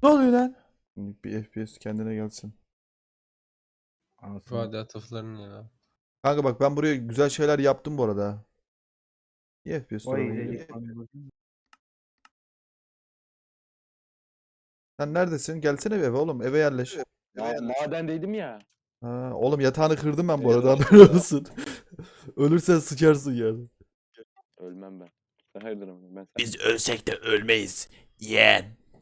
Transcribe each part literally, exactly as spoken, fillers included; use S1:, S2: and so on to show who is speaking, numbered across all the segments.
S1: Ne oluyor lan? Bir F P S kendine gelsin.
S2: Anasını.
S3: İfade atıfların ya.
S1: Kanka bak ben buraya güzel şeyler yaptım bu arada. İyi F P S
S2: Vay
S1: duramıyor.
S2: iyice.
S1: Sen neredesin? Gelsene bir eve oğlum. Eve yerleş.
S4: Ya, madendeydim ya.
S1: Ha, oğlum yatağını kırdım ben bu
S4: Evet,
S1: arada.
S4: evet.
S1: Haberin olsun. Ölürsen sıçarsın yani.
S4: Ölmem ben. Sen hayırdır ama ben sen.
S1: Biz ölsek de ölmeyiz. Yeğen.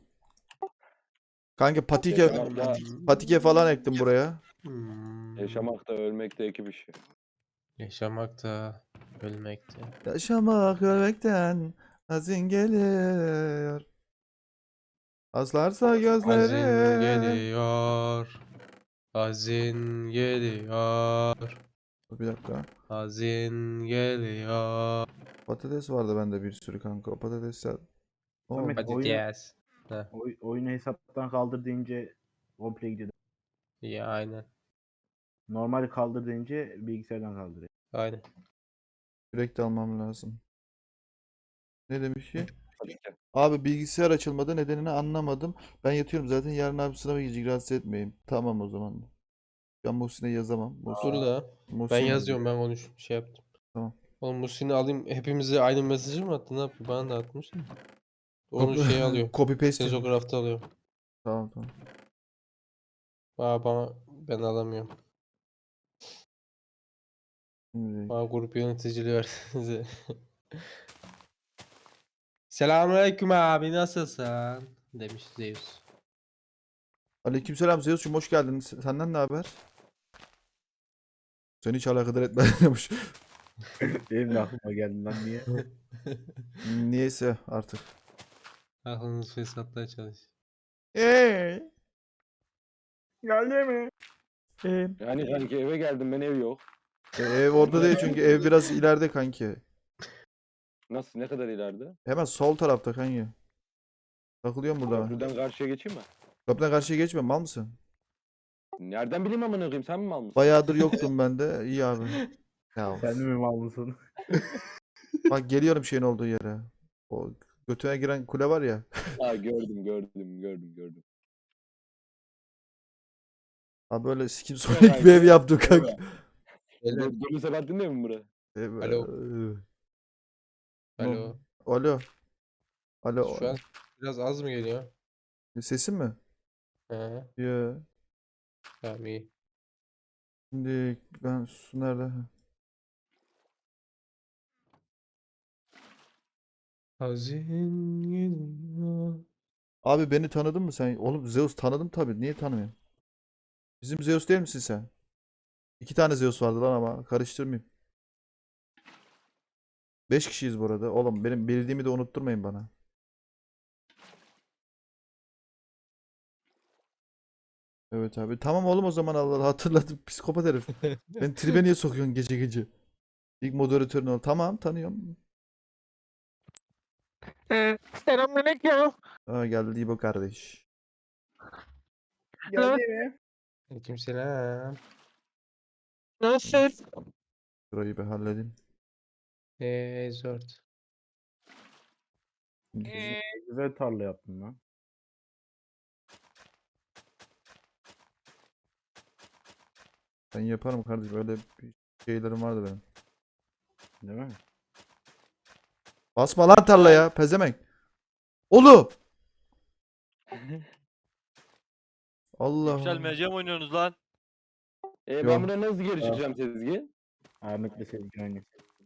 S1: Kanka patike,
S4: Yaşamakta,
S1: patike falan ektim buraya.
S3: Hmm.
S4: yaşamakta ölmekte iki bir şey.
S3: Yaşamakta, ölmekte.
S1: Yaşamak ölmekten hazin geliyor. Aslarsa
S3: Hazin
S1: gözlerim.
S3: geliyor. Hazin geliyor.
S1: Dur bir dakika.
S3: Hazin geliyor.
S1: Patates vardı bende bir sürü kanka. O patatesler. Oo.
S2: Samet
S3: Hadi
S2: oyunu,
S3: yes.
S2: oy, oyunu hesaptan kaldır deyince komple gidiyor.
S3: Ya aynen.
S2: Normal kaldır deyince bilgisayardan kaldırıyor.
S3: Aynen.
S1: Sürekli almam lazım. Ne demiş ki?
S4: Tabii ki.
S1: Abi bilgisayar açılmadı, nedenini anlamadım. Ben yatıyorum zaten, yarın abi sınava gidecek, rahatsız etmeyeyim. Tamam o zaman. Ben Muhsin'e yazamam. Muhsin,
S3: Dur da. Ben
S1: Muhsin
S3: yazıyorum, ben konuş şey yaptım.
S1: Tamam.
S3: Oğlum Muhsin'i alayım, hepimize aynı mesajı mı attı, ne yapıyor? Bana da atmış. Onu
S1: Copy-
S3: şey alıyor.
S1: Copy paste. yap.
S3: Sezocraft'ta alıyor.
S1: Tamam tamam.
S3: Aa, bana ben alamıyorum.
S1: Şimdi,
S3: Bana grup yöneticiliği versenize. Selamünaleyküm abi, nasılsın? Demiş Zeus.
S1: Aleykümselam Zeus'cum, hoş geldin. S- Senden ne haber? Seni hiç alakadar etmez demiş.
S2: Benim de aklıma geldi lan niye?
S1: Niyeyse artık.
S3: Aklınız fesatla çalış.
S1: Eee.
S2: Geldi mi?
S1: Eee.
S4: Yani kanki eve geldim ben ev yok.
S1: E, ev orada değil çünkü ev biraz ileride kanki.
S4: Nasıl ne kadar ileride?
S1: Hemen sol tarafta kanki. Takılıyorum burada ben.
S4: Köprüden karşıya geçeyim mi?
S1: Kapıdan karşıya geçme, mal mısın?
S4: Nereden bileyim amına koyayım sen mi mal mısın?
S1: Bayağıdır yoktum ben de. İyi abi. Ya
S2: Sen de mi mal mısın?
S1: bak geliyorum şeyin olduğu yere. O götüne giren kule var ya.
S4: Ha gördüm gördüm gördüm gördüm.
S1: Ha böyle sikim
S4: Ya
S1: sonik
S4: kanka,
S1: bir ev yaptık kanka.
S3: Beyler,
S4: Dur- Dolu Sebahattin değil mi bura?
S1: Ev-
S3: Alo.
S1: Ne
S3: alo.
S1: oldu? Alo. Alo.
S3: Şu an biraz az mı geliyor?
S1: Sesin mi?
S3: He,
S1: Ya.
S3: tamam iyi.
S1: Şimdi ben su nerede?
S3: Hazin geliyor.
S1: Abi beni tanıdın mı sen? Oğlum Zeus tanıdım tabii. Niye tanımıyorum? Bizim Zeus değil misin sen? İki tane Zeus vardı lan ama karıştırmayayım. Beş kişiyiz bu arada. Oğlum benim bildiğimi de unutturmayın bana. Evet abi. Tamam oğlum o zaman, Allah Allah, hatırladım. Psikopat herif. Beni tribe niye sokuyorsun gece gece? İlk moderatörün ol. Tamam, tanıyorum.
S5: Ee, Selamünaleyküm.
S1: Aa, geldi İbo kardeş.
S2: Geldi mi?
S3: Aleykümselam.
S5: Nasılsın?
S1: Şurayı bir halledeyim.
S3: Eee zort.
S5: Ee,
S2: Güzel tarla yaptın lan.
S1: Ben yaparım kardeşim. Öyle bir şeylerim vardı benim.
S2: Değil mi?
S1: Basma lan tarlaya pezemek. Oğlum. Allah Allah.
S6: Yükselmeyeceğim oynuyorsunuz lan.
S4: E
S1: Yok.
S4: ben buradan nasıl geri çıkacağım Sezgi?
S2: Ahmet'le Sezgin aynı.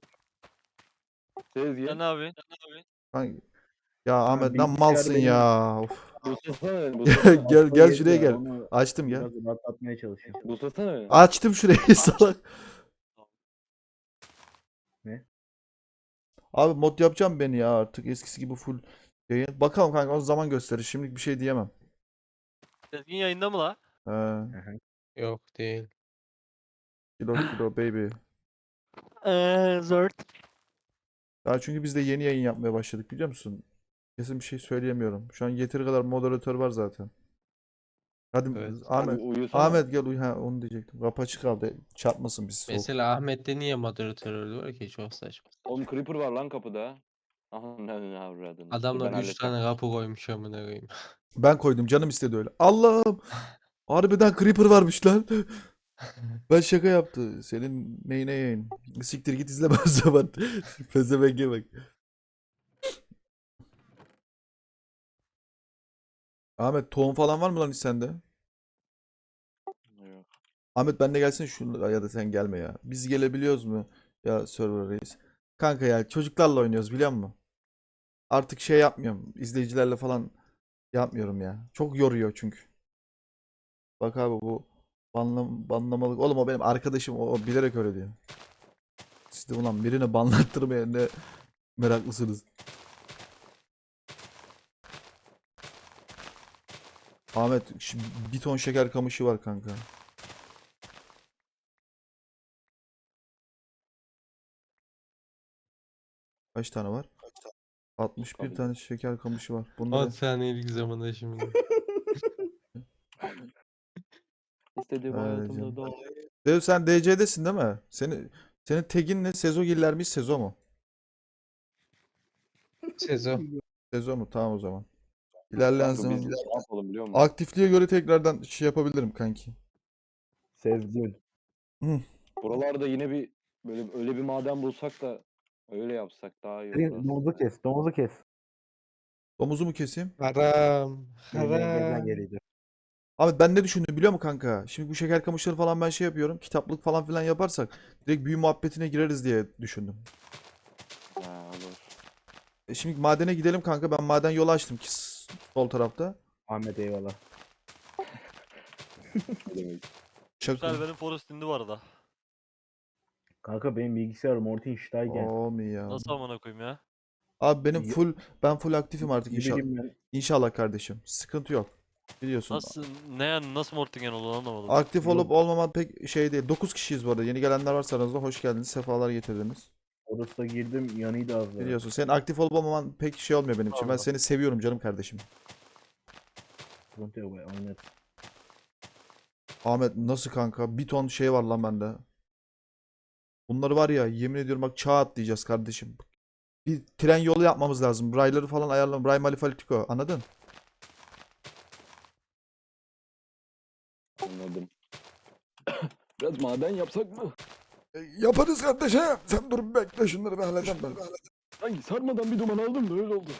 S4: Sezgi.
S6: Sen ne yapıyorsun? Sen ne yapıyorsun?
S1: Kanka- Ya Ahmet lan
S2: bilgisayar
S1: malsın
S2: benim-
S1: ya. Of.
S4: Buslasana beni.
S1: Gel
S4: Buslasana.
S1: gel
S2: Aklı
S1: gel
S2: yedi
S1: şuraya
S2: ya,
S1: gel.
S2: onu
S1: Açtım gel.
S2: Biraz rahatlatmaya çalışıyorum.
S4: Buslasana beni.
S1: Açtım şurayı salak.
S2: Ne?
S1: Abi mod yapacağım beni ya artık eskisi gibi full yayın. Bakalım kanka, o zaman gösterir. Şimdilik bir şey diyemem.
S6: Sezgin yayında mı la?
S1: He.
S2: Aha.
S3: Yok değil.
S1: Kilo kilo baby.
S6: Eee zort.
S1: Ya çünkü biz de yeni yayın yapmaya başladık, biliyor musun? Kesin bir şey söyleyemiyorum. Şu an yeteri kadar moderatör var zaten. Hadi
S3: Evet.
S1: Ahmet.
S4: Abi uyusana.
S1: Ahmet gel uyu. Ha, onu diyecektim. Kapı açık kaldı. Çarpmasın bizi soğuk.
S3: Mesela Ahmet'te niye moderatör öldü var ki, çok saçma.
S4: Oğlum Creeper var lan kapıda. Aha ne ne avradını. Dur
S3: Adamlar
S4: ben
S3: üç
S4: halledeceğim.
S3: tane kapı koymuş amına koyayım.
S1: Ben koydum canım istedi öyle. Allah'ım. Harbiden Creeper varmış lan. Ben şaka yaptı. Senin neyine yayın. Siktir git izleme o zaman. Pezevenge bak. Ahmet tohum falan var mı lan hiç sende?
S4: Yok.
S1: Ahmet ben de gelsin şunu ya da sen gelme ya. Biz gelebiliyoruz mu? Ya server reis. Kanka ya çocuklarla oynuyoruz biliyor musun? Artık şey yapmıyorum. İzleyicilerle falan yapmıyorum ya. Çok yoruyor çünkü. Bak abi bu banlam banlamalık. Oğlum o benim arkadaşım. O, o bilerek öyle diyor. Siz de ulan birini banlattırmaya ne meraklısınız. Ahmet şu bir ton şeker kamışı var kanka. Kaç tane var? altmış bir
S4: Tabii.
S1: tane şeker kamışı var.
S3: on
S1: Bunları
S3: saniyelik zamanda şimdi.
S4: İstediğim
S1: Öyle
S4: hayatımda
S1: canım.
S4: da.
S1: Dev sen D C'desin değil mi? Senin senin tagin ne? Sezogiller mi? Sezo mu?
S3: Sezo.
S1: Sezo mu? Tamam o zaman. İlerleyen
S4: Kanka biz
S1: zaman
S4: ne yapalım biliyor musun?
S1: aktifliğe göre tekrardan şey yapabilirim kanki.
S2: Sezgin.
S1: Hı.
S4: Buralarda yine bir böyle öyle bir maden bulsak da öyle yapsak daha iyi olur
S2: Senin
S4: aslında.
S2: domuzu kes. Domuzu kes.
S1: Domuzu mu keseyim?
S3: Haram.
S2: Benim engelden
S3: Haram.
S2: geliydi.
S1: Abi ben ne düşündüm biliyor musun kanka? Şimdi bu şeker kamışları falan ben şey yapıyorum. Kitaplık falan filan yaparsak direkt büyü muhabbetine gireriz diye düşündüm.
S4: Ha, olur.
S1: E şimdi madene gidelim kanka. Ben maden yolu açtım ki s- sol tarafta.
S2: Ahmet eyvallah.
S4: Ne demek?
S1: Çakıl.
S6: Güzel benim Forest indi bu arada.
S2: Kanka benim bilgisayarım Morty iştayken.
S1: Olmuyor ya.
S6: Nasıl amına koyayım ya?
S1: Abi benim
S2: Ya-
S1: full ben full aktifim artık inşallah.
S2: Gidelim ben.
S1: İnşallah kardeşim. Sıkıntı yok. Biliyorsun.
S6: Nasıl ne yani nasıl Mortingen oldu anlamadım.
S1: Aktif
S2: Yok.
S1: olup olmaman pek şey değil. dokuz kişiyiz bu arada. Yeni gelenler varsa aranızda hoş geldiniz. Sefalar getirdiniz.
S2: Orası girdim yanıydı az daha.
S1: Biliyorsun. Senin aktif olup olmaman pek şey olmuyor benim için. Ben
S2: Allah.
S1: seni seviyorum canım kardeşim.
S2: Sıkıntı yok be oynar.
S1: Ahmet nasıl kanka? Bir ton şey var lan bende. Bunları var ya yemin ediyorum bak çağ atlayacağız kardeşim. Bir tren yolu yapmamız lazım. Rayları falan ayarlam. Ray Malifalitiko. Anladın?
S4: Anladım. Biraz maden yapsak mı?
S1: E, yaparız kardeşim. Sen dur bekle şunları bir halledeceğim ben.
S4: Sanki sarmadan bir duman aldım da öyle oldu.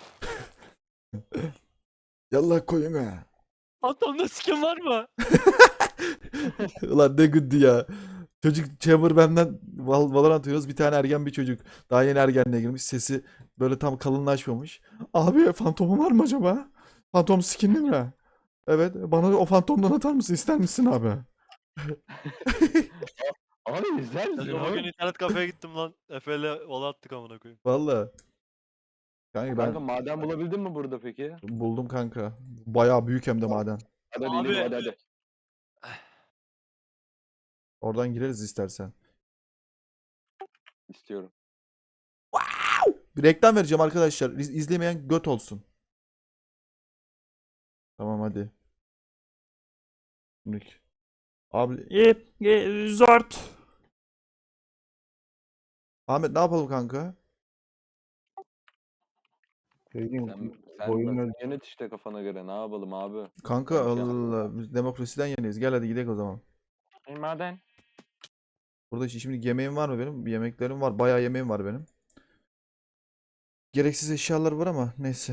S1: Yallah koyun ha.
S6: Atamda skin var mı?
S1: Ulan ne gündü ya. Çocuk Chamber benden Val Valorant oynuyoruz. Bir tane ergen bir çocuk. Daha yeni ergenliğe girmiş. Sesi böyle tam kalınlaşmamış. Abi fantomun var mı acaba? Fantom skinli mi? Evet. Bana o fantomdan atar mısın? İster misin abi?
S4: Abi güzel
S6: Ben
S4: ya.
S6: bugün internet kafeye gittim lan. Efe'yle ola attık amına koyayım.
S1: Valla. Kanka ben
S4: Kanka maden bulabildin mi burada peki?
S1: buldum kanka. Bayağı büyük hem de maden.
S4: Hadi hadi
S6: Abi-
S4: inelim, hadi hadi.
S1: Oradan gireriz istersen.
S4: İstiyorum.
S1: Bir reklam vereceğim arkadaşlar. İz- İzlemeyen göt olsun. Tamam hadi. Şimdi. Abi. E, e, zort. Ahmet ne yapalım kanka?
S2: Söyleyeyim.
S4: Sen, sen
S2: Boyun
S4: bak,
S2: öl-
S4: yönet işte kafana göre ne yapalım abi.
S1: Kanka
S4: Ben bir şey
S1: Allah
S4: anlamadım.
S1: Allah. Biz demokrasiden yeniyiz. Gel hadi gidelim o zaman.
S5: Maden.
S1: Burada şimdi yemeğim var mı benim? Bir yemeklerim var. Bayağı yemeğim var benim. Gereksiz eşyalar var ama neyse.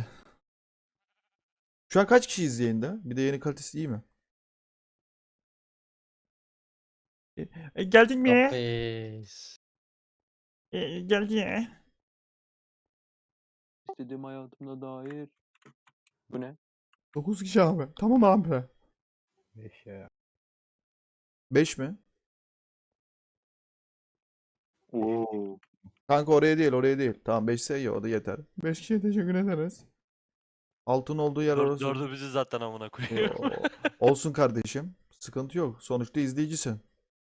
S1: Şu an kaç kişiyiz yayında? Bir de yayının kalitesi iyi mi? E, e, geldin mi?
S3: Kapes.
S1: E, geldin.
S4: İstediğim hayatımda dair. Bu ne?
S1: dokuz kişi abi. Tamam abi.
S2: Beş ya.
S1: beş mi?
S4: Oo.
S1: Kanka oraya değil oraya değil. Tamam beş ise iyi o da yeter. beş kişiye teşekkür ederiz. Altın olduğu yer
S6: Dör,
S1: orası.
S6: dördü bizi zaten amına koyayım.
S1: Yo, olsun kardeşim. Sıkıntı yok. Sonuçta izleyicisin.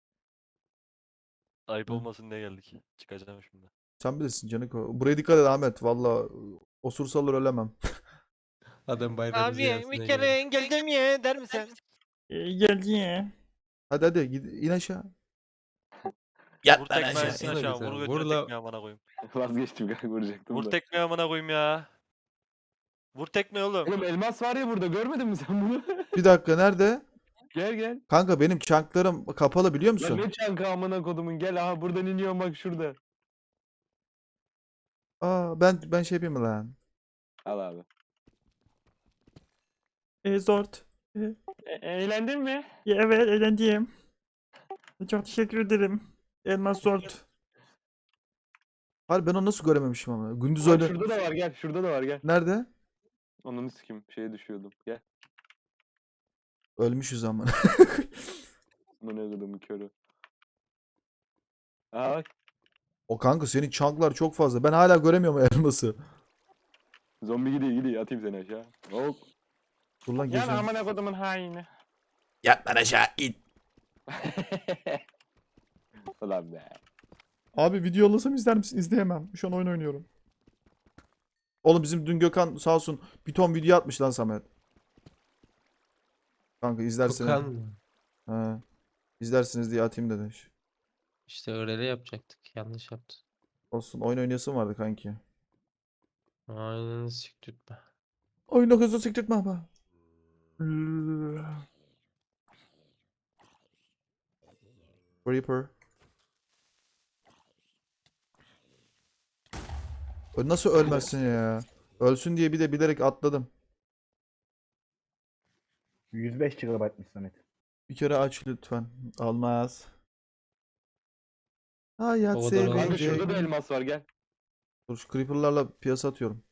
S6: Ayıp
S1: Hı.
S6: olmasın diye geldik. Çıkacağım şimdi.
S1: Sen bilirsin Caniko. Buraya dikkat et Ahmet. Valla osursalar ölemem.
S3: Adam bayram
S5: Abi
S3: ziyaretine
S5: bir
S3: geldi.
S5: kere engelden ye der misin?
S1: Geldi. Hadi hadi gid in aşağı.
S6: Vur tekme
S3: aşağı,
S6: etsin
S3: in
S6: aşağı.
S3: aşağı.
S6: Vur
S3: Vur
S6: götüne
S3: la-
S6: tekme amına koyayım.
S4: Vazgeçtim kanka, vuracaktım
S6: Vur
S4: da.
S6: tekme amına koyayım ya. Vur tekme oğlum.
S4: Oğlum elmas var ya burada, görmedin mi sen bunu?
S1: Bir dakika nerede?
S4: Gel gel.
S1: Kanka benim çanklarım kapalı biliyor
S4: Lan
S1: musun?
S4: ne çanka amına kodumun, gel aha buradan iniyorum bak şurada.
S1: Aa ben ben şey yapayım mı lan?
S4: Al abi.
S1: E, zort.
S5: E- eğlendin mi?
S1: Evet eğlendim. Çok teşekkür ederim. Elmas zort. Hayır ben onu nasıl görememişim ama. Gündüz
S4: Bak
S1: öyle.
S4: şurada da var, gel şurada da var, gel.
S1: Nerede?
S4: Ananı sikim, şeye düşüyordum, gel.
S1: Ölmüşüz ama.
S4: Amına kodumun körü. Aa bak,
S1: O kanka senin çanklar çok fazla. Ben hala göremiyorum elması.
S4: zombi gidiyor gidiyor, atayım seni aşağı. Hop.
S1: Dur lan
S5: Yani
S1: geçeceğim.
S5: amına kodumun haini.
S1: Yat lan aşağı in.
S4: Ulan be.
S1: Abi video yollasam izler misin? İzleyemem. Şu an oyun oynuyorum. Oğlum bizim dün Gökhan sağ olsun bir ton video atmış lan Samet. Kanka izlersin.
S3: Kokan mı?
S1: He. İzlersiniz diye atayım dedi.
S3: İşte öyle yapacaktık. Yanlış yaptın.
S1: Olsun oyun oynayasın vardı kanki.
S3: Aynen siktirtme.
S1: Oyunu hızlı siktirtme ama. Reaper. Ö- Nasıl ölmezsin ya? Ölsün diye bir de bilerek atladım.
S2: yüz beş gigabaytmış Samet.
S1: Bir kere aç lütfen. Almaz. Hayat
S3: O kadar
S1: sevince.
S4: Kanka şurada da elmas var, gel.
S1: Dur şu creeper'larla piyasa atıyorum.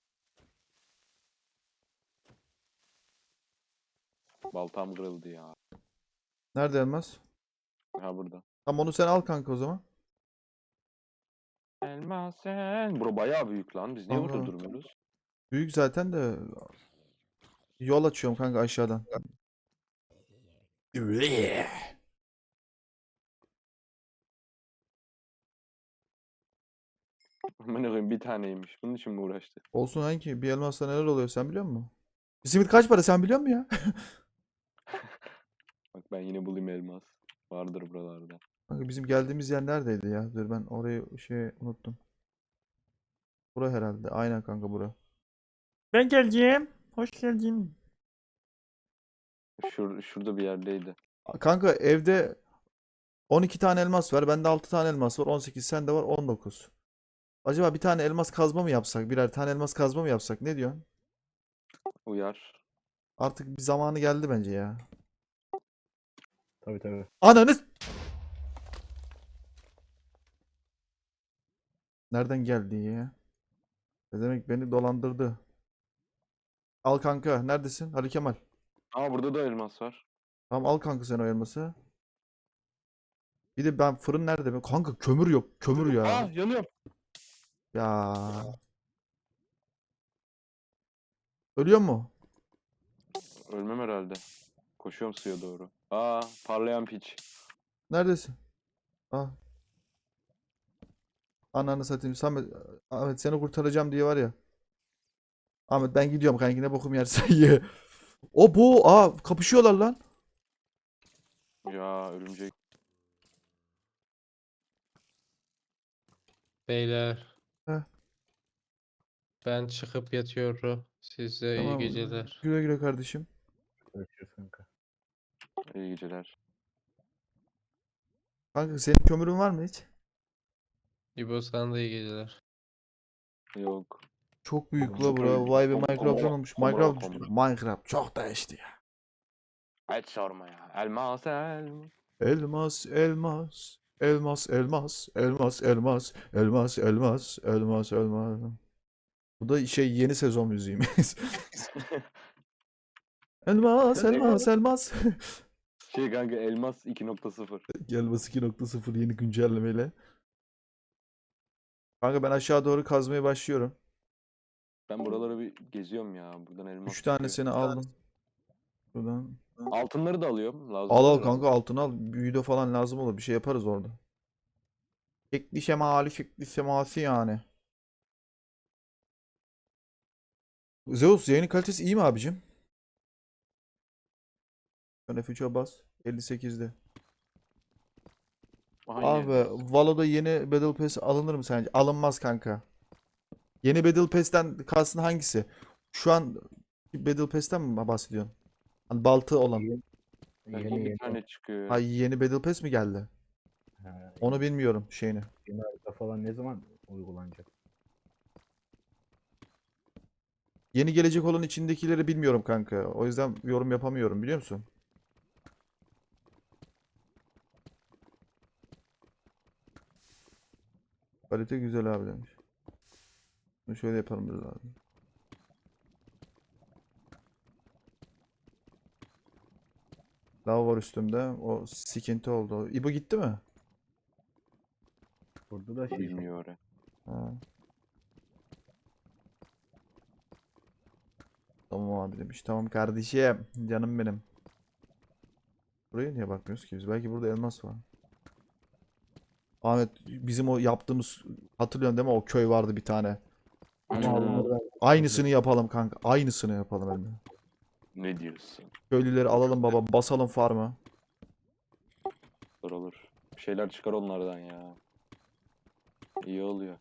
S4: Baltam kırıldı ya.
S1: Nerede elmas?
S4: Ha burada.
S1: Tamam onu sen al kanka o zaman.
S5: Elmas sen.
S4: Bura bayağı büyük lan. Biz niye burada
S1: Aha.
S4: durmuyoruz?
S1: Büyük zaten de yol açıyorum kanka aşağıdan.
S4: Aman koyayım, bir taneymiş. Bunun için mi uğraştı?
S1: Olsun hangi bir elmasla neler oluyor sen biliyor musun? Bir simit kaç para sen biliyor musun ya?
S4: Bak ben yine bulayım elmas. Vardır buralarda.
S1: Kanka bizim geldiğimiz yer neredeydi ya? Dur ben orayı şey unuttum. Bura herhalde. Aynen kanka bura. Ben geleceğim. Hoş geldin.
S4: Şur şurada bir yerdeydi.
S1: Kanka evde on iki tane elmas var. Bende altı tane elmas var. on sekiz sende var on dokuz. Acaba bir tane elmas kazma mı yapsak? Birer tane elmas kazma mı yapsak? Ne diyorsun?
S4: Uyar.
S1: Artık bir zamanı geldi bence ya.
S2: Tabii tabii.
S1: Ananı... Nereden geldi ya? Ne demek beni dolandırdı. Al kanka. Neredesin? Ali Kemal.
S4: Aa burada da elmas var.
S1: Tamam al kanka sen o elması. Bir de ben fırın nerede be? Kanka kömür yok. Kömür ya.
S4: Aa yanıyorum.
S1: Ya. Ölüyor mu?
S4: Ölmem herhalde. Koşuyorum suya doğru. Aa parlayan piç.
S1: Neredesin? Ah. Ananı satayım. Samet, Ahmet seni kurtaracağım diye var ya. Ahmet ben gidiyorum kanki ne bokum yersen ye. O bu. Aa kapışıyorlar lan.
S4: Ya örümcek.
S3: Beyler.
S1: Heh.
S3: Ben çıkıp yatıyorum. Size iyi
S1: Tamam.
S3: geceler.
S1: Güle güle kardeşim.
S2: Görüşürüz kanka.
S4: İyi geceler.
S1: Kanka senin kömürün var mı hiç?
S3: İbo sana da iyi geceler.
S4: Yok.
S1: Çok büyük la
S4: Çok
S1: bura.
S4: öyle.
S1: Vay be
S4: Kom-
S1: Minecraft'tan
S4: komra-
S1: olmuş.
S4: komra-
S1: Minecraft
S4: komra.
S1: Minecraft çok değişti ya.
S4: Hiç sorma ya. Elmas elmas.
S1: Elmas, elmas, elmas, elmas, elmas, elmas, elmas, elmas, elmas, elmas. Bu da şey yeni sezon müziğimiz. Elmas, elmas, elmas.
S4: Şey kanka elmas iki nokta sıfır.
S1: Elmas iki nokta sıfır yeni güncellemeyle. Kanka ben aşağı doğru kazmaya başlıyorum.
S4: Ben buraları bir geziyorum ya. Buradan elmas
S1: Üç
S4: çıkıyor.
S1: tanesini aldım. Buradan.
S4: Altınları da alıyorum. Lazım
S1: Al al
S4: olur herhalde.
S1: kanka altını al. Büyüde falan lazım olur. Bir şey yaparız orada. Şekli şemali şekli seması yani. Zeus yayının kalitesi iyi mi abicim? Sen F üçe bas. elli sekizde.
S4: Aynen.
S1: Abi Valo'da yeni Battle Pass alınır mı sence? Alınmaz kanka. Yeni Battle Pass'ten kastın hangisi? Şu an Battle Pass'ten mi bahsediyorsun? Hani baltı olan.
S2: Yeni
S4: Belki
S2: yeni,
S4: bir
S2: yeni,
S4: tane çıkıyor.
S1: Ha, yeni Battle Pass mi geldi?
S2: ha,
S1: Onu bilmiyorum şeyini.
S2: yeni harita falan ne zaman uygulanacak?
S1: Yeni gelecek olan içindekileri bilmiyorum kanka. O yüzden yorum yapamıyorum biliyor musun? Kalite güzel abi demiş. Bunu şöyle yapalım biraz abi. Lav var üstümde. O sikinti oldu. İbo gitti mi?
S2: Burada da şey
S4: Bilmiyor oraya.
S1: Ha. Tamam abi demiş. Tamam kardeşim. Canım benim. Buraya niye bakmıyoruz ki biz? Belki burada elmas var. Ahmet bizim o yaptığımız hatırlıyorsun değil mi? O köy vardı bir tane.
S2: ama
S4: Hmm,
S2: alınır.
S1: Aynısını yapalım kanka. Aynısını yapalım Emre.
S4: Ne diyorsun?
S1: Köylüleri alalım baba. Basalım farmı.
S4: Olur olur. Bir şeyler çıkar onlardan ya. İyi oluyor.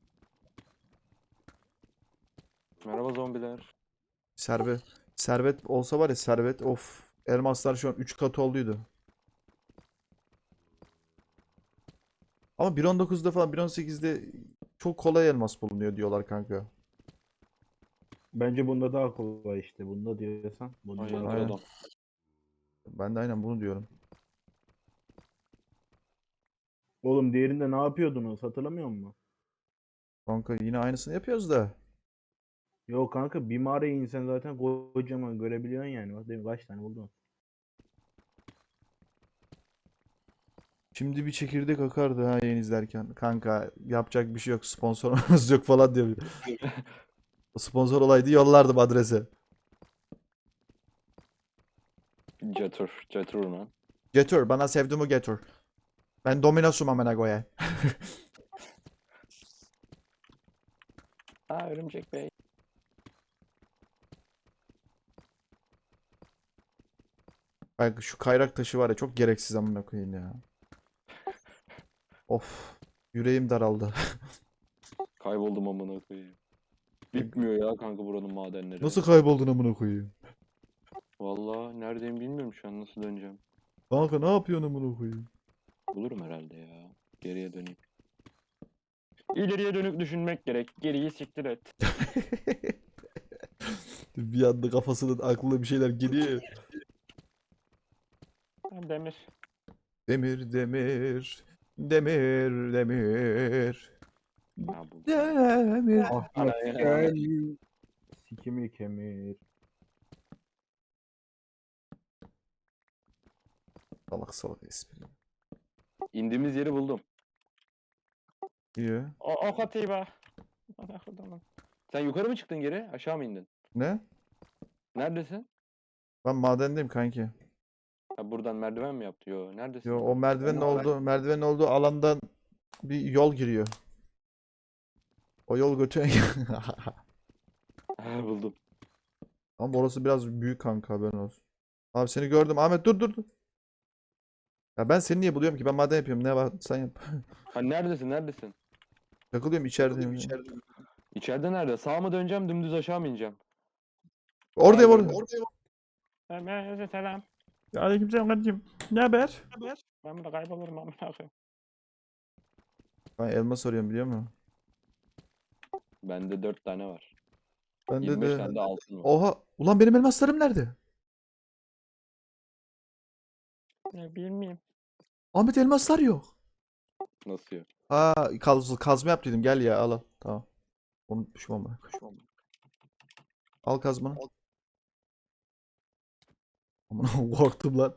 S4: Merhaba zombiler.
S1: Servet. Servet olsa var ya servet. Of. Elmaslar şu an üç katı olduydu. Ama bir nokta on dokuzda falan bir nokta on sekizde çok kolay elmas bulunuyor diyorlar kanka.
S2: Bence bunda daha kolay işte. Bunda diyorsan. Bunda
S4: Aynen
S2: daha-
S1: Aynen.
S4: adam.
S1: Ben de aynen bunu diyorum.
S2: Oğlum diğerinde ne yapıyordunuz? Hatırlamıyor musun?
S1: Kanka yine aynısını yapıyoruz da.
S2: Yok kanka bir mağaraya insen zaten kocaman görebiliyorsun yani. Bak demin kaç tane buldun.
S1: Şimdi bir çekirdek akardı ha yayın izlerken. Kanka yapacak bir şey yok. Sponsorumuz yok falan diyor. O sponsor olaydı yollardım adrese.
S4: Jetur. Jetur lan.
S1: Getir bana sevdiğimi getir. Ben Domino'sum amına koyayım.
S5: Ha örümcek bey.
S1: Bak şu kayrak taşı var ya çok gereksiz amına koyayım ya. Of. Yüreğim daraldı.
S4: Kayboldum amına koyayım. Bitmiyor ya kanka buranın madenleri.
S1: Nasıl kayboldun amına koyayım?
S4: Vallahi neredeyim bilmiyorum şu an nasıl döneceğim.
S1: Kanka ne yapıyorsun amına koyayım?
S4: Bulurum herhalde ya. Geriye döneyim.
S5: İleriye dönük düşünmek gerek. Geriyi siktir et.
S1: Bir anda kafasının aklına bir şeyler geliyor.
S5: Ha, demir.
S1: Demir demir. Demir demir.
S4: Ha buldum.
S1: Demir.
S2: Ah
S4: Ana
S2: bak
S4: ya.
S2: gel. Sikimi kemir.
S1: Salak salak espri.
S4: İndiğimiz yeri buldum.
S1: İyi.
S5: O, ok atayım ha. Ana kodumun.
S4: Sen yukarı mı çıktın geri? Aşağı mı indin?
S1: Ne?
S4: Neredesin?
S1: Ben madendeyim kanki.
S4: Ha buradan merdiven mi yaptı? Yo neredesin?
S1: Yo
S4: lan?
S1: o merdivenin
S4: Ben-
S1: olduğu merdivenin olduğu alandan bir yol giriyor. O yol götüren
S4: Ha, buldum.
S1: Ama orası biraz büyük kanka haberin olsun. Abi seni gördüm. Ahmet dur dur dur. Ya ben seni niye buluyorum ki? Ben maden yapıyorum. Ne var? Sen yap.
S4: Ha neredesin? Neredesin?
S1: Takılıyorum içerideyim.
S4: İçeride nerede? Sağa mı döneceğim? Dümdüz aşağı mı ineceğim?
S1: Oradayım
S4: Aa,
S1: orada.
S4: gördüm.
S5: Hemen selam.
S1: Aleykümselam kardeşim. Ne haber?
S5: Ben burada kaybolurum amına koyayım.
S1: Ben elmas arıyorum biliyor musun?
S4: Bende dört tane var.
S1: Bende
S4: yirmi beş
S1: de...
S4: tane de altın var.
S1: Oha. Ulan benim elmaslarım nerede?
S5: Ne bilmeyeyim.
S1: Ahmet elmaslar yok.
S4: Nasıl yok?
S1: Aa kaz, kazma yap dedim. Gel ya al al. Tamam. Unutmuşum ama. Al kazmanı. Aman korktum lan.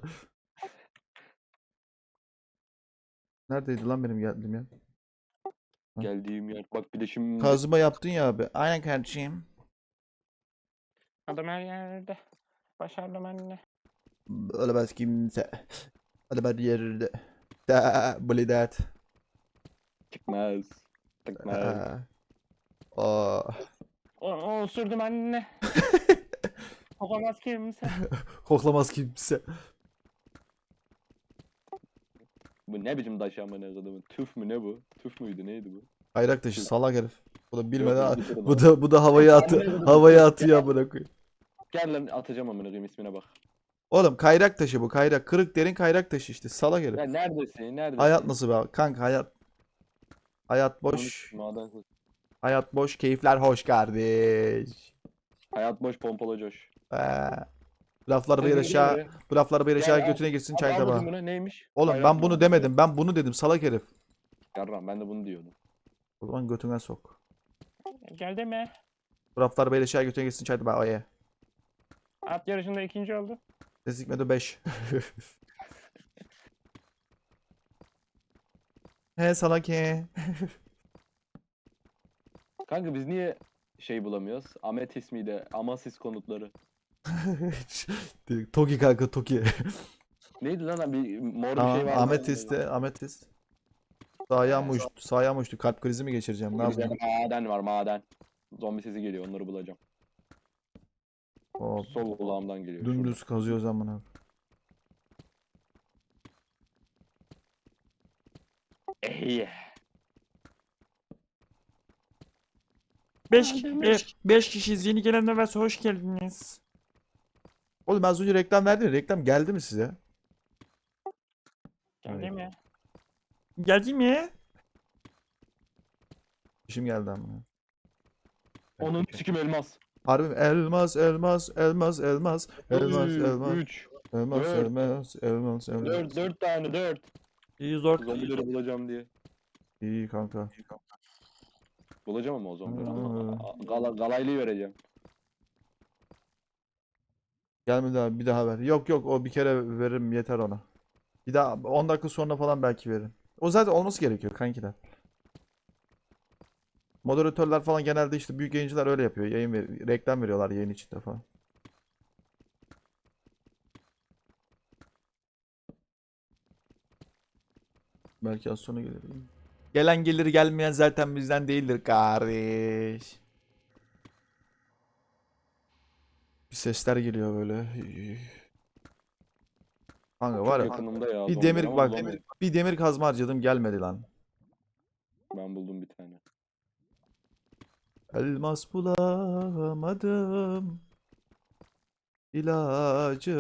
S1: Neredeydi lan benim geldiğim yer? Ha.
S4: Geldiğim yer. Bak bir de şimdi
S1: Kazma yaptın ya abi. Aynen kardeşim.
S5: Adam her yerde. Başardım anne.
S1: Ölemez kimse. Hadi ben yerde. Da blidat.
S4: çıkmaz. Çıkmaz.
S1: Aa.
S5: O, o osurdum anne. Kokamaz kimse.
S1: Koklamaz kimse.
S4: Bu Bu ne biçim taş amına kodumun? Tüf mü ne bu? Tüf müydü neydi bu?
S1: Kayrak taşı salak herif. Bu da bilmeden
S4: Yok, bu
S1: bu da bu da havaya atı
S4: Amına koydum,
S1: havaya
S4: tüf.
S1: atıyor amına koyayım.
S4: Gel lan atacağım amına koyayım ismine bak.
S1: Oğlum kayrak taşı bu kayrak. Kırık derin kayrak taşı işte salak herif.
S4: Ya neredesin? Neredesin?
S1: Hayat nasıl be abi? Kanka hayat. Hayat
S4: Konuş,
S1: boş.
S4: maden konuş.
S1: Hayat boş. Keyifler hoş kardeş.
S4: Hayat boş pompalı coş.
S1: Ee, lafları bir
S4: Sen
S1: aşağı.
S4: gel
S1: Bu lafları bir
S4: Gel,
S1: aşağı
S4: al.
S1: götüne girsin
S4: Al,
S1: çay
S4: al
S1: tabağı.
S4: bakayım buna neymiş?
S1: Oğlum
S4: Hayrat
S1: ben bunu
S4: maden
S1: demedim. Ben bunu dedim salak herif.
S4: coş. Yarram ben de bunu diyordum.
S1: O zaman götüne sok.
S5: Geldi mi?
S1: Bu lafları bir aşağı götüne girsin çay tabağı. Oye.
S5: At yarışında ikinci oldu.
S1: Sesikmedi beş. He salak he.
S4: Kanka biz niye şey bulamıyoruz? Ametis miydi? Amasis konutları.
S1: Toki kanka Toki.
S4: Neydi lan bir mor bir
S1: Aa,
S4: şey var.
S1: ametiste, ametist. Sağ mı uçtu? Sağ mı uçtu? Kalp krizi mi geçireceğim? Ne
S4: Bizde
S1: yapayım?
S4: maden var maden. Zombi sesi geliyor onları bulacağım.
S1: Hop.
S4: Sol kulağımdan geliyor.
S1: Dümdüz kazıyoruz amına.
S4: Ey.
S7: beş beş kişiyiz. Yeni gelenler varsa hoş geldiniz.
S1: Oğlum az önce reklam verdin ya. Reklam geldi mi size?
S5: Geldi mi?
S7: Geldi mi?
S1: İşim geldi amına.
S4: Onun sikim elmas.
S1: Harbi mi? Elmas, elmas, elmas, elmas, elmas, elmas,
S4: üç,
S1: elmas,
S4: dört,
S1: elmas, elmas, elmas.
S4: dört, dört tane dört.
S7: İyi zor.
S4: Zombileri bulacağım diye.
S1: İyi kanka.
S4: Bulacağım ama o zombileri.
S1: Hmm.
S4: Gala, galaylıyı vereceğim.
S1: Gelmedi abi bir daha ver. Yok yok o bir kere veririm yeter ona. Bir daha on dakika sonra falan belki veririm. O zaten olması gerekiyor kankiler. Moderatörler falan genelde işte büyük yayıncılar öyle yapıyor. Yayın ver reklam veriyorlar yayın içinde falan. Belki az sonra gelir. Gelen gelir gelmeyen zaten bizden değildir kardeş. Bir sesler geliyor böyle. Kanka
S4: Çok
S1: var ya
S4: yakınımda ya.
S1: bir
S4: zombiler
S1: demir
S4: ama
S1: bak
S4: bulamıyorum.
S1: bir demir kazma harcadım gelmedi lan.
S4: Ben buldum bir tane.
S1: Elmas bulamadım. İlacı.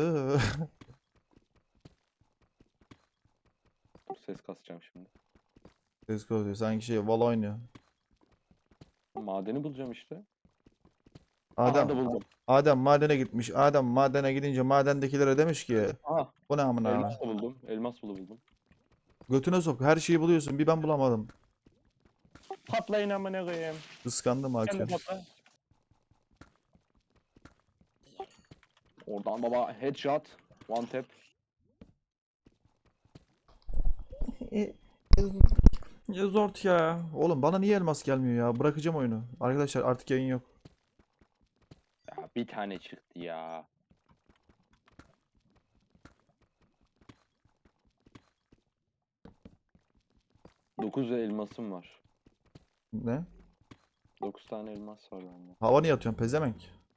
S4: Dur, ses kasacağım şimdi.
S1: Ses koyuyor. Sanki şey Valo oynuyor.
S4: Madeni bulacağım işte.
S1: Adem,
S4: Aha da buldum.
S1: Adem madene gitmiş. Adem madene gidince madendekilere demiş ki
S4: Aha.
S1: bu ne amına.
S4: Elmas da buldum. Elmas bulu buldum.
S1: Götüne sok. Her şeyi buluyorsun. Bir ben bulamadım.
S5: Patlayın amına koyayım.
S1: Kıskandım
S5: Sen de
S1: Hakan.
S5: patla.
S4: Oradan baba headshot. One tap.
S7: Ya zor ya.
S1: Oğlum bana niye elmas gelmiyor ya? Bırakacağım oyunu. Arkadaşlar artık yayın yok.
S4: Ya bir tane çıktı ya. Dokuz elmasım var.
S1: Ne?
S4: Dokuz tane elmas var bende.
S1: Hava niye atıyorsun pezevenk?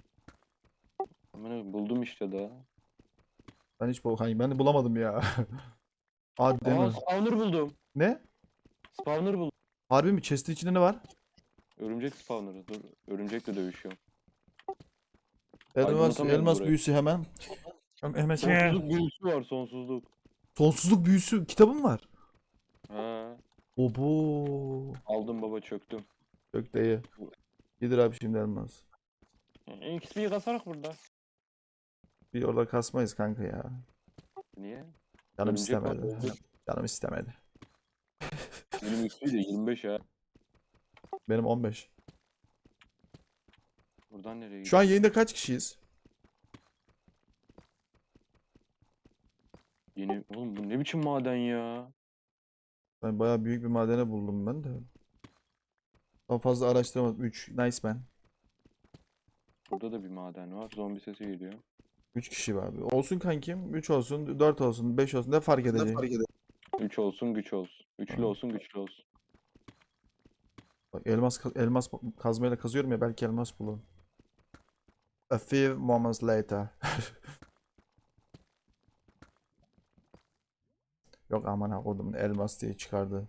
S4: Amına buldum işte daha.
S1: Ben hiç bu hani ben de bulamadım ya. Hadi
S4: Aa
S1: deme.
S4: spawner buldum.
S1: Ne?
S4: Spawner buldum.
S1: Harbi mi? Chest'in içinde ne var?
S4: Örümcek spawner'ı. Dur. Örümcekle döüşüyorum.
S1: Elmas,
S4: Aydınlatamıyorum
S1: elmas
S4: burayı.
S1: büyüsü hemen.
S7: Hemen
S4: Sonsuzluk büyüsü var sonsuzluk.
S1: Sonsuzluk büyüsü kitabım var.
S4: Ha,
S1: Obo.
S4: aldım baba çöktüm.
S1: Çok da iyi. Gidir abi şimdi elmas.
S5: X P'yi kasarak burada.
S1: Bir orada kasmayız kanka ya.
S4: Niye?
S1: Canım
S4: Örümcek var,
S1: istemedi.
S4: örümcek.
S1: Canım istemedi.
S4: Benim X P de yirmi beş ya.
S1: Benim on beş.
S4: Buradan nereye gidiyor?
S1: Şu an yayında kaç kişiyiz?
S4: Yeni... Oğlum bu ne biçim maden ya?
S1: Ben bayağı büyük bir madene buldum ben de. Daha fazla araştıramadım. üç. Nice man.
S4: Burada da bir maden var. Zombi sesi geliyor.
S1: üç kişi var. Olsun kankim. üç olsun, dört olsun, beş olsun. Ne fark edecek?
S4: üç olsun güç olsun. Üçlü
S1: Ha.
S4: olsun güçlü olsun.
S1: Bak elmas ka- elmas kazmayla kazıyorum ya belki elmas bulurum. A few moments later. Yok aman ha kodumun elmas diye çıkardı.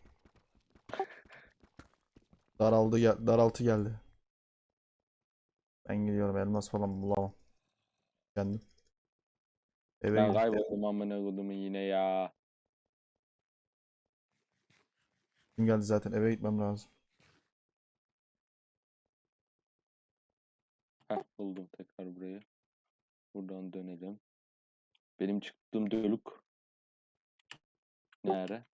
S1: Daraldı gel daraltı geldi. Ben gidiyorum elmas falan bulamam. Kendim. Eve
S4: Ben
S1: gidiyorum.
S4: kayboldum amına kodumun yine ya.
S1: Kim geldi zaten eve gitmem lazım.
S4: Heh buldum tekrar burayı. Buradan dönelim. Benim çıktığım dölük. Nere?